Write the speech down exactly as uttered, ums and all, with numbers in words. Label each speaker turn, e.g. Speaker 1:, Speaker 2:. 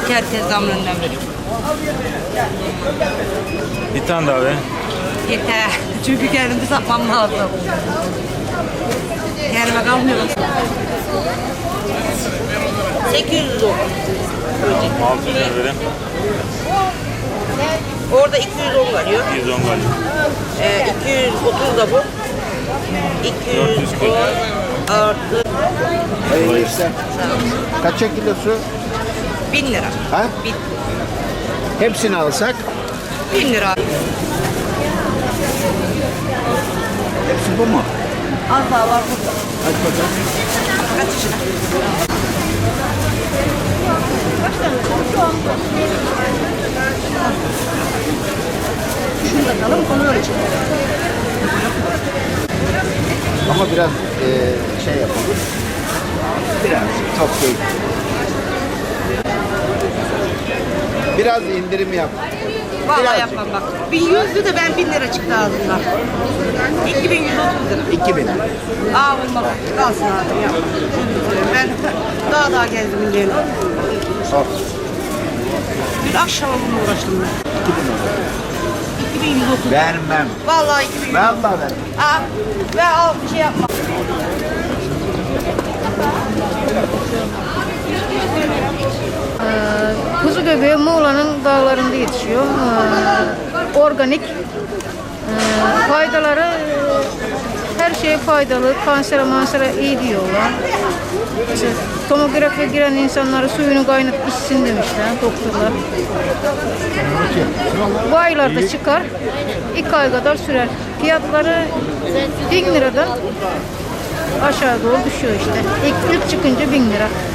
Speaker 1: Herkes damlından veriyor.
Speaker 2: Bir tane daha be.
Speaker 1: Yeter. Çünkü kendimi satmam lazım. Kendime kalmıyorum. sekiz yüz on.
Speaker 2: altı yüz vereyim.
Speaker 1: Orada iki yüz on veriyor.
Speaker 2: iki yüz on galiba.
Speaker 1: Ee, iki yüz otuz da bu. iki yüz on artı
Speaker 3: Hayırlı işler. Kaça kilosu?
Speaker 1: bin lira.
Speaker 3: Ha?
Speaker 1: Bin,
Speaker 3: Hepsini alsak?
Speaker 1: bin lira.
Speaker 3: Hepsi bu mu?
Speaker 1: Az daha var burada.
Speaker 3: Hadi bakalım.
Speaker 1: Kaç yaşında? Şunu da alalım, onu öyle çekelim.
Speaker 3: Ama biraz e, şey yapalım. Biraz çok değil. Biraz indirim yap.
Speaker 1: Vallahi
Speaker 3: Birazcık.
Speaker 1: yapmam bak. bin yüzdü de ben bin lira çıktı ağzımdan. iki bin yüz otuz lira.
Speaker 3: iki bin.
Speaker 1: Aa olmaz. Kalsın abi ya. Ben daha daha gezdim diyelim.
Speaker 3: Al.
Speaker 1: Bir akşam bununla uğraştım ben.
Speaker 3: iki bin oldu.
Speaker 1: iki bin yüz otuz.
Speaker 3: Vermem.
Speaker 1: Vallahi iki bin yüz otuz.
Speaker 3: Vallahi ver.
Speaker 1: Aa, ve al bir şey yapma.
Speaker 4: Kuzu göbeği Muğla'nın dağlarında yetişiyor. Ee, organik. Ee, faydaları e, her şeye faydalı. Kansere mansere iyi diyorlar. İşte, tomografiye giren insanları suyunu kaynatıp içsin demişler doktorlar. Bu aylarda çıkar. iki ay kadar sürer. Fiyatları bin liradan aşağı doğru düşüyor işte. İlk, ilk çıkınca bin lira.